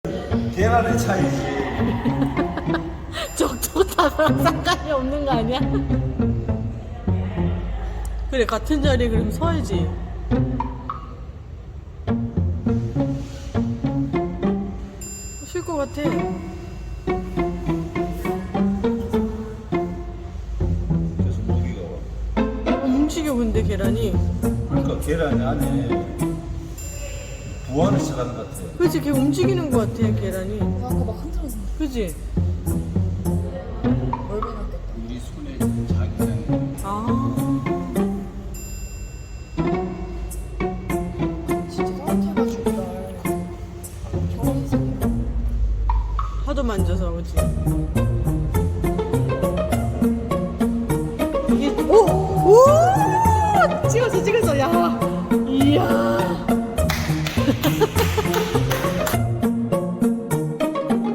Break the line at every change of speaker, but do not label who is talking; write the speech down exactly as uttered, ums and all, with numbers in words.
계란의 차이지.
적도 답이랑 상관이 없는 거 아니야? 그래, 같은 자리에 그럼 서야지. 쉴 것 같아.
계속 모기가 와.
어, 움직여 근데 계란이.
그러니까 계란이 안에 부화를 시작하는 것 같아.
그치, 걔 움직이는 것 같아 계란이.
아까 막 흔들어서
그치?
얼마나 겠다.
우리 손에 자기장.
아,
진짜 따뜻해가지고 날 겨울에서
하도 만져서 그치? 이게 오! 오! 찍었어 찍었어.